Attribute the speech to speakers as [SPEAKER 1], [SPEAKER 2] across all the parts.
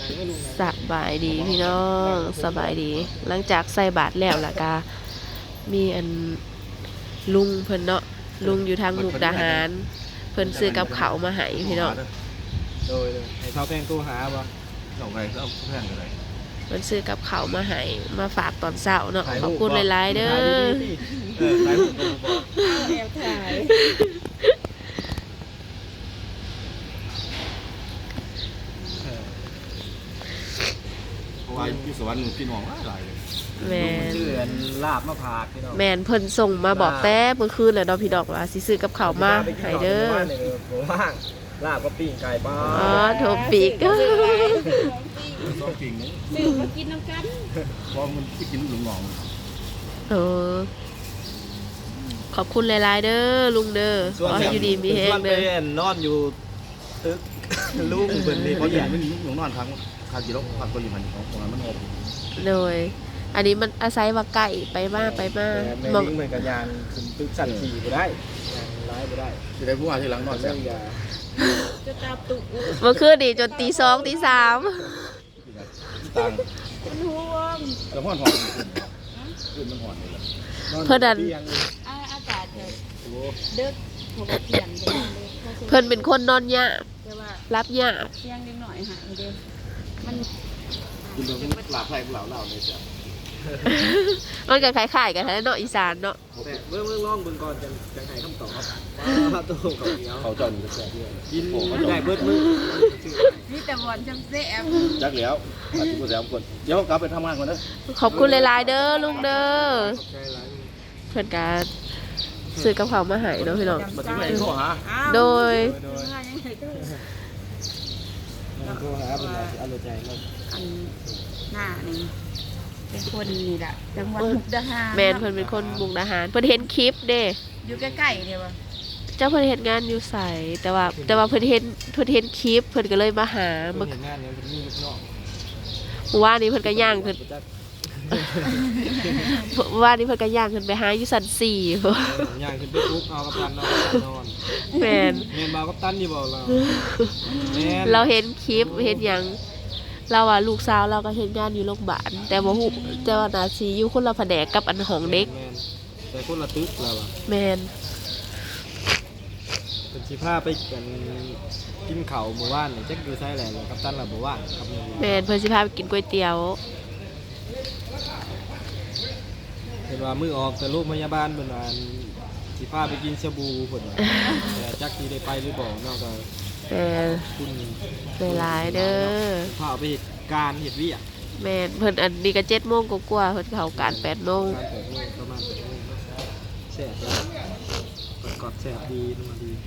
[SPEAKER 1] สบายดีพี่น้องสบายดีหลังจากใส่บาตรแล้วล่ะกามีอันลุงเพิ่นเนาะลุงอยู่ทางมุกดาหารเพิ่นซื้อกับเขาวมาให้พี่น้อง
[SPEAKER 2] โดยให้เท้าแพงตู้หาบ่
[SPEAKER 3] เอาไปเอาแพงกันเลย
[SPEAKER 1] เพิ่นซื้อกับเขาวมาให้มาฝากตอนเช้าเนาะขอบคุณหลายๆเด้อ
[SPEAKER 3] ถ่ายรูปก็บอก
[SPEAKER 4] แอบถ่าย
[SPEAKER 3] เพราะว่าอยู่สวรรค์พี่น้องหลาย
[SPEAKER 1] แม่น
[SPEAKER 2] ชื่อลาบมะพร้าวพี่น้อง
[SPEAKER 1] แม่นเพิ่นส่งมาบอกแต่เมื่อคืนแล้วเนาะพี่ดอกว่าสิซื้อกับเขาวมาให้เด้อ
[SPEAKER 2] ผมว่างลาบก็ปิ้งไก่บ้า
[SPEAKER 1] อ๋อโทรปีก
[SPEAKER 3] ต้องจริงนะ
[SPEAKER 4] ซื้อมากินน้ำกัน
[SPEAKER 3] เพราะมันไปกินลูกหลง
[SPEAKER 1] ขอบคุณหลายๆเด้อลุงเด้อขอให้อยู่ดีมีแฮงเด้
[SPEAKER 2] อนอนอยู่ตึกลุงเพิ่นนี่
[SPEAKER 3] เขาอย่างไม่มีลูกนอนทางกิโลพักก็อยู่หันของตรงนั้นมันหก
[SPEAKER 1] เลยอันนี้มันอาศัยว่าไก่ไปมา
[SPEAKER 2] มองเหมือนกับยานขึ้นตึกสั่นขี่ไปได้ยานร้ายไปได้
[SPEAKER 3] จะได้ผู้ว่าที่หลังนอนแซ่บ
[SPEAKER 4] จะตาตุ
[SPEAKER 1] เมื่อคืนดีจนตี2ตี3
[SPEAKER 3] ต่าง
[SPEAKER 4] มันห่วง
[SPEAKER 3] แล้วพ่อหอนขึ้นมันหอนเลย
[SPEAKER 1] เพื่อน
[SPEAKER 4] อากาศเด็กผมเขียน
[SPEAKER 1] เพื่อนเป็นคนนอนยากรับยาก
[SPEAKER 4] เที่ยงนิดหน่อยหาเด้มัน
[SPEAKER 3] คุณโดนหลาบไผ่เหล่าเลยจ้ะ
[SPEAKER 1] มันก็คล้ายๆกันแท้เนาะอีสานเนาะ
[SPEAKER 2] เมื่อลองเบิ่งก่อนจังให้คำตอบว่าตู้กับเดียว
[SPEAKER 3] เขาจอนอยู่แซ่บด้วย
[SPEAKER 2] กินได้เบิดมื้อ
[SPEAKER 4] มีแต่บอลจำเสีย
[SPEAKER 3] จักแล้วอาจจะผู้แซ่บคนเดี๋ยวกลับไปทำงานก่อนนะ
[SPEAKER 1] ขอบคุณหลายๆเด้อลุงเด้อเพื่อนการซื้อกับเขามาให้เนาะพี่น้องโดย
[SPEAKER 2] โทรหาเป็นอะไรอร่อยใจมาก
[SPEAKER 4] อันหน้านี่เป็นคนนี่แหละจังหวัดมุกดาหาร
[SPEAKER 1] แมนเพิ่นเป็นคนมุกดาหารเพิ่นเห็นคลิปเด้
[SPEAKER 4] อยู่ใกล้ๆเดียวว่า
[SPEAKER 1] เจ้าเพิ่นเฮ็ดงานอยู่ไสแต่ว่าเพิ่นเห็นคลิปเพิ่นก็เลยมาหา
[SPEAKER 2] เพิ่นเฮ็ดงานเนี่ยเพิ่นมีลูกน้อง
[SPEAKER 1] ว่านี่เพิ่นก็ย่างขึ้นว่านี่เพิ่นก็ย่างขึ้นไปหาอยู่ชั้น4
[SPEAKER 2] ย่างขึ้นไปปุ๊บเอากับตันนอน
[SPEAKER 1] แม่น
[SPEAKER 2] บ่าวกับตันอยู่บ่เรา
[SPEAKER 1] เราเห็นคลิปเห็นหยังเราว่าลูกสาวเราก็เฮ็ดงานอยู่โรงพยาบาลแต่บ่ฮู้แต่ว่าน่าสิอยู่คนละแผนกกับอันของเด็ก
[SPEAKER 2] แต่คนละตึกแล้วอ่ะ
[SPEAKER 1] แม่น
[SPEAKER 2] เป็นสิพาไปกินข้าวมื้อวานนี่จักอยู่ไสแหละกับตันล่ะบ่ว่างครับ
[SPEAKER 1] แม่นเพิ่นสิพาไปกินก๋วยเตี๋ยว
[SPEAKER 2] เห็นว่ามื้อออกแต่โรงพยาบาลเพิ่นว่าสิพาไปกินชาบูเพิ่นว่าแต่จักสิได้ไปหรือบ่เนาะก็
[SPEAKER 1] คุณหลายเด้อ
[SPEAKER 2] พาไปเหตุการณ์เหตุวิอ่ะ
[SPEAKER 1] แม่นเพิ่นอันนี้ก็7 โมงกว่าเพิ่นเข้าการ8 โมง
[SPEAKER 2] ประมาณ8 โมงแซ่บกอดแซ่บดีนัวดี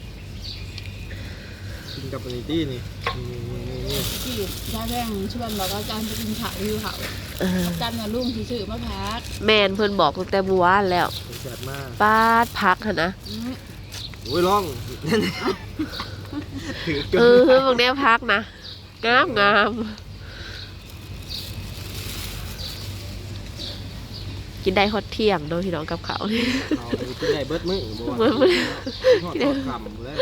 [SPEAKER 2] กินกับปนิตี้นี่
[SPEAKER 4] ที่ย่าแรงชวนบอกว่าการไปกินข้าวอยู่เขาจันน่ะลุงสิซื้อมาพัก
[SPEAKER 1] แม่นเพิ่นบอกตั้งแต่เมื่อวานแล้ว
[SPEAKER 2] แซ่บมาก
[SPEAKER 1] ปาดพักหั่นนะ
[SPEAKER 2] โอ้ยลอง
[SPEAKER 1] พวกนี้พักนะงามกินได้ฮอตเที่ยงโดยพี่น้องกับเขา
[SPEAKER 2] กินได้เบิดมื้อทอดคำเลย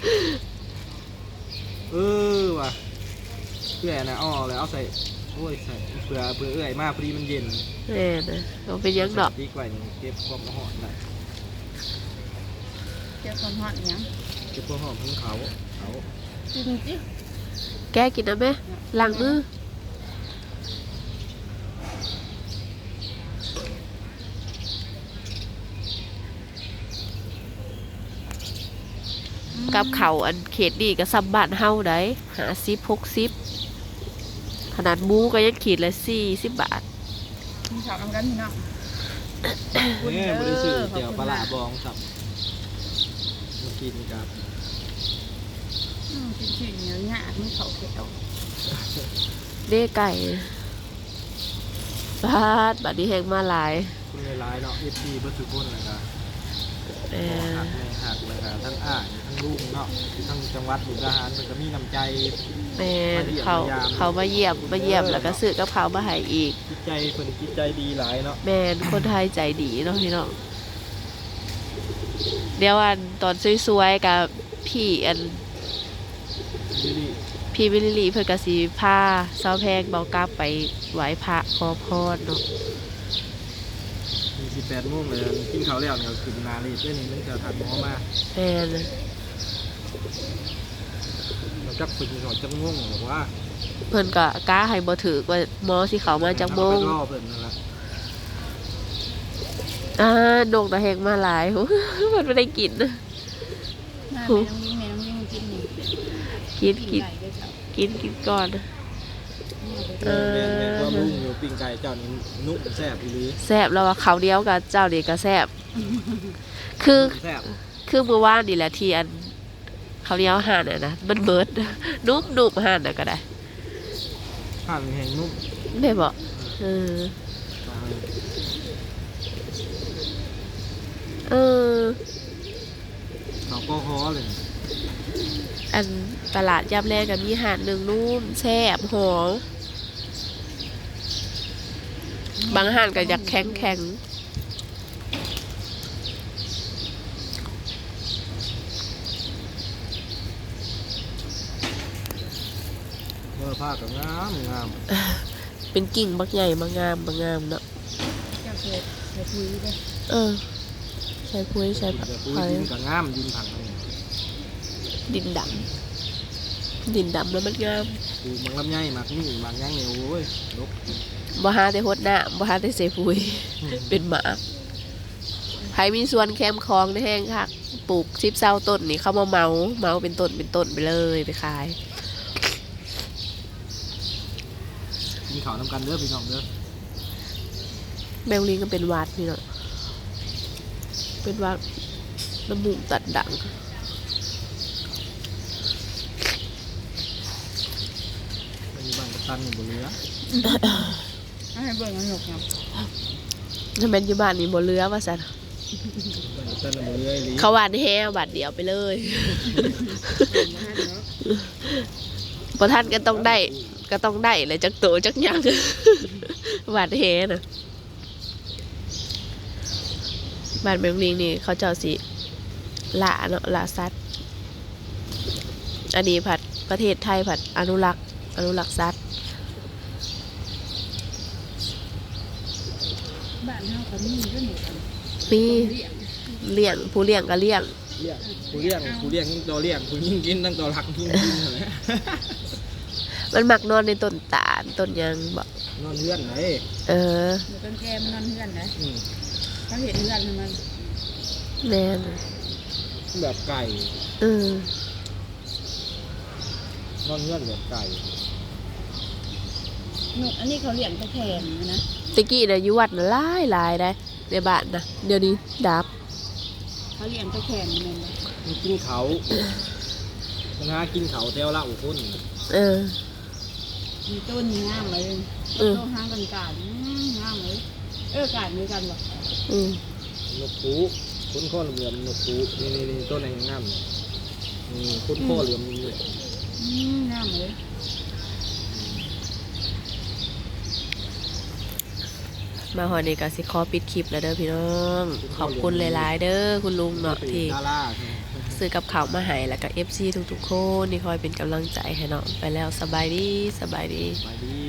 [SPEAKER 2] ว่ะเพื่อนะอ้อเลยเอาใส่โอ้ยใส่เผื่อเอื่อยมากพอดีมันเย็น
[SPEAKER 1] นะเอาเป็นยังดอก
[SPEAKER 2] ดีกว่าเก็บความหอมได้
[SPEAKER 4] เก็บความหอมยัง
[SPEAKER 2] เก็บความหอมของเขา
[SPEAKER 4] จริงจิ
[SPEAKER 1] แกกินนะแม่ล้างมือกับเขาอันเขตดีกับซับบ้านเฮาได้50-60ขนาดหมูก็ยังขีดละ40 บาท
[SPEAKER 4] มีข่าวกันพี่น้อง
[SPEAKER 2] เนี่ยบริสุทธิ์เดี๋ยวปลาบองสับมากินกับ
[SPEAKER 4] กินเนื้อหน้าไม่เขาเขียว
[SPEAKER 1] เด้ไก่บัดนี้แห้งมาหลาย
[SPEAKER 2] คุณหลายเนาะ FP เบิดทุกคนนะครับหักเลยค่ะทั้งทั้งลูกเนาะทั้งจังหวัดมุกดาหารมันก็มีน้ำใจ
[SPEAKER 1] เขามาเยี่ยมแล้วก็ซื้อกับเขามาให้อีก
[SPEAKER 2] จิตใจคนจิตใจดีหลายเนาะ
[SPEAKER 1] แม่นคนไทยใจดีเนาะพี่น้องเดี๋ยวตอนสวยๆกับพี่พี่วิลลี่เพิ่นก็สิพาเซาแพงเบากลับไปไหว้พระขอพรเนาะ
[SPEAKER 2] มี18 โมงเลยกินข้าวแล้วเนี่ยกินนาลีด้วยนี่มันจะถัดหมอมา
[SPEAKER 1] แม่น
[SPEAKER 2] เราจักฝึกหน่อยจักง่วงหรือว่า
[SPEAKER 1] เพิ่นก็กล้าให้บ่ถือว่าหมอสิเข้ามาจักโมง
[SPEAKER 2] ไปรอเพิ่นนั่นแหละ
[SPEAKER 1] ดงตะแหงมาหลาย เพิ่นบ่ได้กินนะ
[SPEAKER 4] แม่น้องยิ่งมากินนี่
[SPEAKER 1] กิน
[SPEAKER 4] ปิ้งไก่ด้วยจ้ะ
[SPEAKER 1] กินก่อน
[SPEAKER 2] แม่นว่าลุงอยู่ปิ้งไก่เจ้านี่นุ่มแซ่บอีหลี
[SPEAKER 1] แซ่บแล้วว่าข้าวเดียวกับเจ้านี่ก็แซ่บคือ
[SPEAKER 2] แซ่บ
[SPEAKER 1] คือเมื่อวานนี่แหละที่อันข้าวเหนียวห่านน่ะนะมันเบิด นุ่มห่านน่ะก็ได้
[SPEAKER 2] ผ่านแห้งนุ่ม
[SPEAKER 1] ได้บ่เออเออ
[SPEAKER 2] เขาก็คอเลย
[SPEAKER 1] อันตลาดยามแรกก็มีห่านหนึงนุ่มแซ่บหอมบางห่านก็อยากแข็ง
[SPEAKER 2] เมื่อผ้ากับงาม
[SPEAKER 1] เป็นกิ่งบักใหญ่บางงามเนาะ
[SPEAKER 4] เจ้าเคยคุยด้วย
[SPEAKER 1] เออใช้พุ้ยใช้ผัก
[SPEAKER 2] เดี๋ยวปุ้ย
[SPEAKER 1] ไผ่
[SPEAKER 2] ดินกับงามดินผังนี่
[SPEAKER 1] ดินดำแล้วมันงาม
[SPEAKER 2] ปูมังลำไยหมักนี่หมักย่างเหนียวโอ้ยลก
[SPEAKER 1] บ่หาแต่หดหน้าบ่หาแต่เสพุ้ยเป็นหมาไผมีส่วนแคมคลองในแห้งคักปลูก10-20ต้นนี่เข้ามาเมาเป็นต้นไปเลยไปขาย
[SPEAKER 2] กินข้าวน้ำกันเด้อพี่น้องเด้อ
[SPEAKER 1] แมวลิงก็เป็นหวัดนี่เนาะเป็นหวัดน้ำมูกตัดดัง
[SPEAKER 2] มันมีบ้านกับตันอยู่บนเรือ
[SPEAKER 4] ให้เบิ่งมันหนกเนาะ
[SPEAKER 1] ถ้าแม่นอยู่บ้านนี่บ่เหลือว่าซั่น
[SPEAKER 2] บ้านกับตันอยู่บนเรือไอ้ลี
[SPEAKER 1] เขาหวานแฮบาดเดียวไปเลยบ่ทันก็ต้องได้เลยจักโตจักหยัง หวานแฮน่ะบ้านแมวลิงนี่เขาเจ้าสิละเนาะละสัตว์อันนี้ผัดประเทศไทยผัดอนุรักษ์สัตว์
[SPEAKER 4] บ้านเฮาก็มีด้วยหนูกัน
[SPEAKER 1] มี
[SPEAKER 4] เลี้ยง
[SPEAKER 1] เลี้ยงผู้เลี้ยงก็เลี้ยง
[SPEAKER 2] ผู้เลี้ยงยิ่งตัวเลี้ยงผู้ยิ่งกินตั้งตัวรักยิ่งกินเลย
[SPEAKER 1] มันมักนอนในต้นตาลต้นหยังบ่
[SPEAKER 2] นอนเลื่อนไหน
[SPEAKER 1] เออ
[SPEAKER 4] หนูต้นแก้มนอนเฮือนนะ
[SPEAKER 2] อืม
[SPEAKER 4] เขาเห็นเฮือนมัน
[SPEAKER 1] แม่น
[SPEAKER 2] แบบไก่
[SPEAKER 1] เออน
[SPEAKER 2] อนเลื่อนแบบไก่
[SPEAKER 4] หนูอันนี้เขาเลี้ยงตะแคงนะ
[SPEAKER 1] ตะกี้น่ะอยู่วัดน่ะหลายได้ในบ้านนะเดี๋ยวนี้ดับ
[SPEAKER 4] เขาเลี้ยงตะแคงมันเลย
[SPEAKER 2] มันกินเขามันหากินเขาเต้วละอุคน
[SPEAKER 1] เออ
[SPEAKER 4] มีต้นงามเลย
[SPEAKER 1] เออ
[SPEAKER 4] ต้นห้างกันกาดงามเลยกาดมีกันบ่
[SPEAKER 1] อืม
[SPEAKER 2] นกปูคุ้นข้อเหลือมนกปูนี่ต้นไหนงามนี่คุ้นข้อเหลือมนี่
[SPEAKER 4] งามเลย
[SPEAKER 1] มาหอนี้ก็สิขอปิดคลิปแล้วเด้อพี่น้องขอบคุณหลายๆเด้อคุณลุงเนาะที่
[SPEAKER 2] ดารา
[SPEAKER 1] ซื้อกับข้าวมาให้แล้วก็ FC ทุกๆคนที่คอยเป็นกำลังใจให้เนาะไปแล้วสบายดี
[SPEAKER 2] ไปดี